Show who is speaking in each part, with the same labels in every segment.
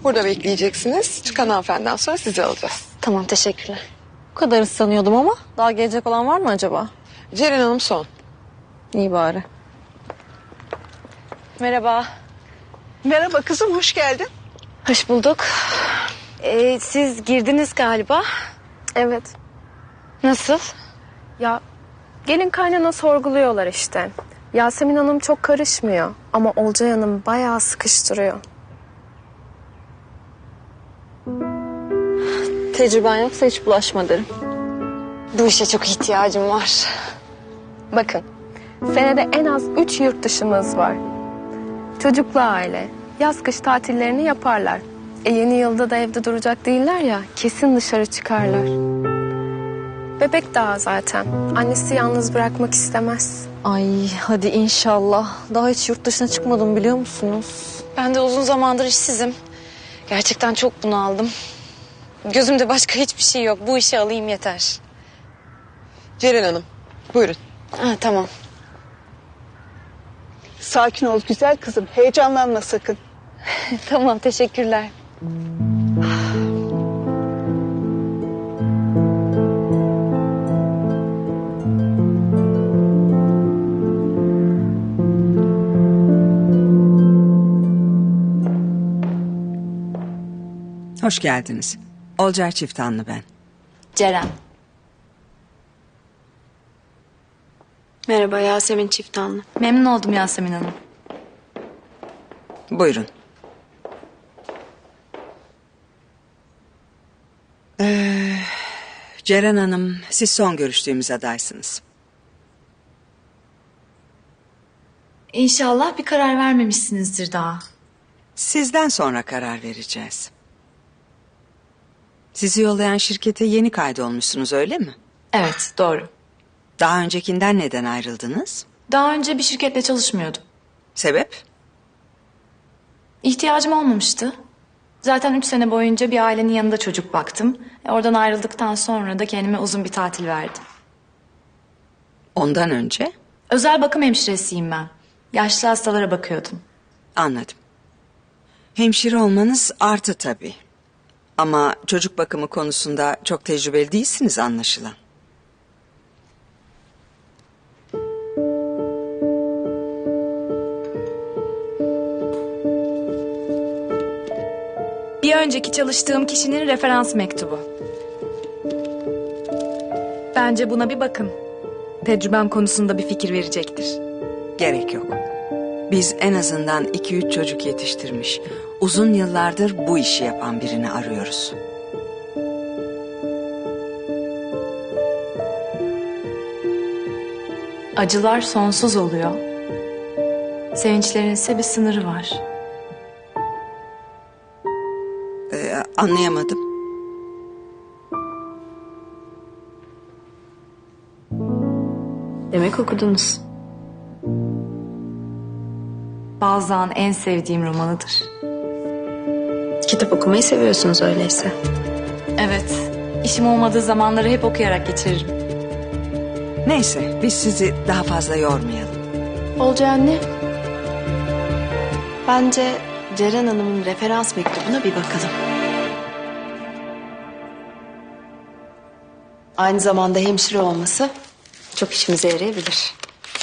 Speaker 1: Burada bekleyeceksiniz. Çıkan hanımefendiden sonra sizi alacağız.
Speaker 2: Tamam, teşekkürler. Bu kadar ıslanıyordum ama daha gelecek olan var mı acaba?
Speaker 1: Ceren Hanım son.
Speaker 2: İyi bari. Merhaba.
Speaker 3: Merhaba kızım, hoş geldin.
Speaker 2: Hoş bulduk. Siz girdiniz galiba.
Speaker 4: Evet.
Speaker 2: Nasıl?
Speaker 4: Ya gelin kaynana sorguluyorlar işte. Yasemin Hanım çok karışmıyor ama Olcay Hanım bayağı sıkıştırıyor.
Speaker 2: Tecrüben yoksa hiç bulaşma derim.
Speaker 4: Bu işe çok ihtiyacım var. Bakın, senede en az 3 yurt dışımız var. Çocuklu aile, yaz kış tatillerini yaparlar. Yeni yılda da evde duracak değiller ya, kesin dışarı çıkarlar. Bebek daha zaten. Annesi yalnız bırakmak istemez.
Speaker 2: Ay hadi inşallah. Daha hiç yurt dışına çıkmadım biliyor musunuz?
Speaker 5: Ben de uzun zamandır işsizim. Gerçekten çok bunaldım. Gözümde başka hiçbir şey yok. Bu işi alayım yeter.
Speaker 1: Ceren Hanım, buyurun.
Speaker 5: Ha, tamam.
Speaker 3: Sakin ol güzel kızım, heyecanlanma sakın.
Speaker 5: Tamam, teşekkürler.
Speaker 6: Hoş geldiniz. Olcay Çiftanlı ben.
Speaker 5: Ceren.
Speaker 7: Merhaba, Yasemin Çiftanlı.
Speaker 5: Memnun oldum Yasemin Hanım.
Speaker 6: Buyurun. Ceren Hanım, siz son görüştüğümüz adaysınız.
Speaker 5: İnşallah bir karar vermemişsinizdir daha.
Speaker 6: Sizden sonra karar vereceğiz. Sizi yollayan şirkete yeni kaydolmuşsunuz öyle mi?
Speaker 5: Evet, doğru.
Speaker 6: Daha öncekinden neden ayrıldınız?
Speaker 5: Daha önce bir şirketle çalışmıyordum.
Speaker 6: Sebep?
Speaker 5: İhtiyacım olmamıştı. Zaten 3 sene boyunca bir ailenin yanında çocuk baktım. Oradan ayrıldıktan sonra da kendime uzun bir tatil verdim.
Speaker 6: Ondan önce?
Speaker 5: Özel bakım hemşiresiyim ben. Yaşlı hastalara bakıyordum.
Speaker 6: Anladım. Hemşire olmanız artı tabii. Ama çocuk bakımı konusunda çok tecrübeli değilsiniz anlaşılan.
Speaker 5: Bir önceki çalıştığım kişinin referans mektubu. Bence buna bir bakın. Tecrübem konusunda bir fikir verecektir.
Speaker 6: Gerek yok. Biz en azından 2-3 çocuk yetiştirmiş, uzun yıllardır bu işi yapan birini arıyoruz.
Speaker 5: Acılar sonsuz oluyor. Sevinçlerin ise bir sınırı var.
Speaker 6: Anlayamadım.
Speaker 7: Demek okudunuz.
Speaker 5: Balzac'ın en sevdiğim romanıdır.
Speaker 7: Kitap okumayı seviyorsunuz öyleyse.
Speaker 5: Evet, işim olmadığı zamanları hep okuyarak geçiririm.
Speaker 6: Neyse, biz sizi daha fazla yormayalım.
Speaker 7: Olcay anne. Bence Ceren Hanım'ın referans mektubuna bir bakalım. Aynı zamanda hemşire olması çok işimize yarayabilir.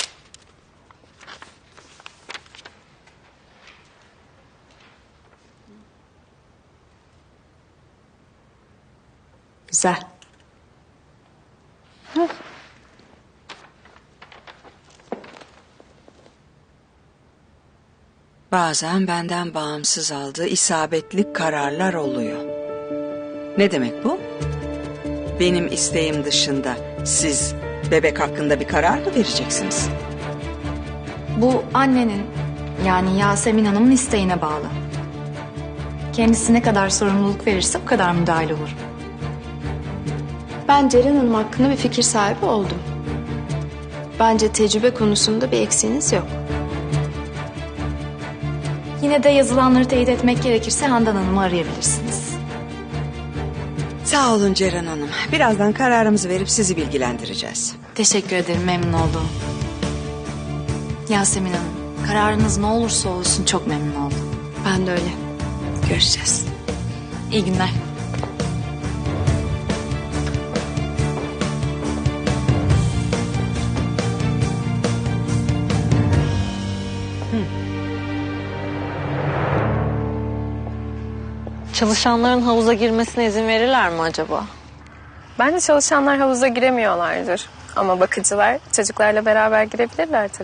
Speaker 7: Güzel.
Speaker 6: Bazen benden bağımsız aldığı isabetli kararlar oluyor. Ne demek bu? Benim isteğim dışında siz bebek hakkında bir karar mı vereceksiniz?
Speaker 5: Bu annenin, yani Yasemin Hanım'ın isteğine bağlı. Kendisi ne kadar sorumluluk verirse o kadar müdahale olur.
Speaker 7: Ben Ceren Hanım hakkında bir fikir sahibi oldum. Bence tecrübe konusunda bir eksiğiniz yok.
Speaker 5: Yine de yazılanları teyit etmek gerekirse Handan Hanım'ı arayabilirsiniz.
Speaker 6: Sağ olun Ceren Hanım. Birazdan kararımızı verip sizi bilgilendireceğiz.
Speaker 5: Teşekkür ederim, memnun oldum. Yasemin Hanım, kararınız ne olursa olsun çok memnun oldum.
Speaker 7: Ben de öyle. Görüşeceğiz.
Speaker 5: İyi günler.
Speaker 2: Çalışanların havuza girmesine izin verirler mi acaba?
Speaker 4: Bence çalışanlar havuza giremiyorlardır. Ama bakıcılar çocuklarla beraber girebilirler tabii.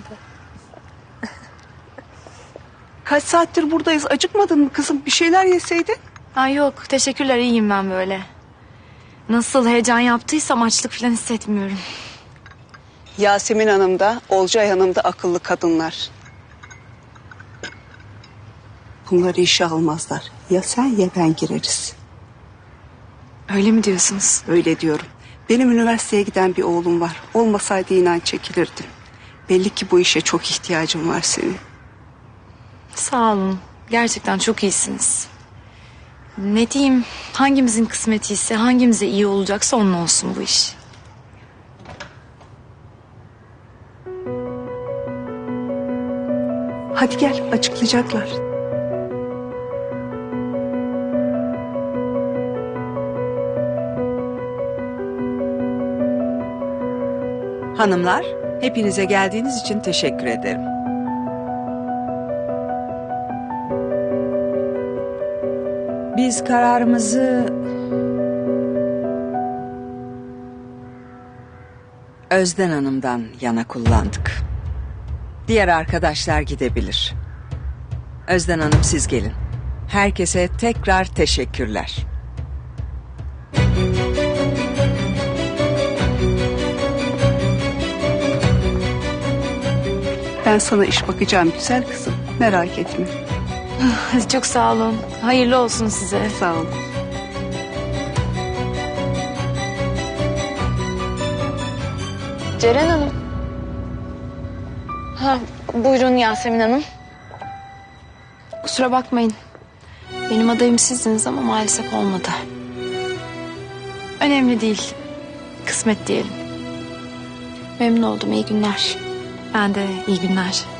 Speaker 3: Kaç saattir buradayız, acıkmadın mı kızım? Bir şeyler yeseydin.
Speaker 5: Ay yok, teşekkürler, iyiyim ben böyle. Nasıl heyecan yaptıysam açlık falan hissetmiyorum.
Speaker 3: Yasemin Hanım da, Olcay Hanım da akıllı kadınlar. Bunları işe almazlar. Ya sen ya ben gireriz.
Speaker 5: Öyle mi diyorsunuz?
Speaker 3: Öyle diyorum. Benim üniversiteye giden bir oğlum var. Olmasaydı inan çekilirdim. Belli ki bu işe çok ihtiyacım var senin.
Speaker 5: Sağ olun. Gerçekten çok iyisiniz. Ne diyeyim, hangimizin kısmeti ise, hangimize iyi olacaksa onun olsun bu iş.
Speaker 3: Hadi gel, açıklayacaklar.
Speaker 6: Hanımlar, hepinize geldiğiniz için teşekkür ederim. Biz kararımızı Özden Hanım'dan yana kullandık. Diğer arkadaşlar gidebilir. Özden Hanım siz gelin. Herkese tekrar teşekkürler.
Speaker 3: Ben sana iş bakacağım güzel kızım. Merak etme.
Speaker 5: Çok sağ olun. Hayırlı olsun size.
Speaker 3: Sağ ol.
Speaker 2: Ceren Hanım. Ha, buyurun Yasemin Hanım.
Speaker 7: Kusura bakmayın. Benim adayım sizdiniz ama maalesef olmadı.
Speaker 5: Önemli değil. Kısmet diyelim.
Speaker 7: Memnun oldum. İyi günler.
Speaker 5: Ben de iyi günler.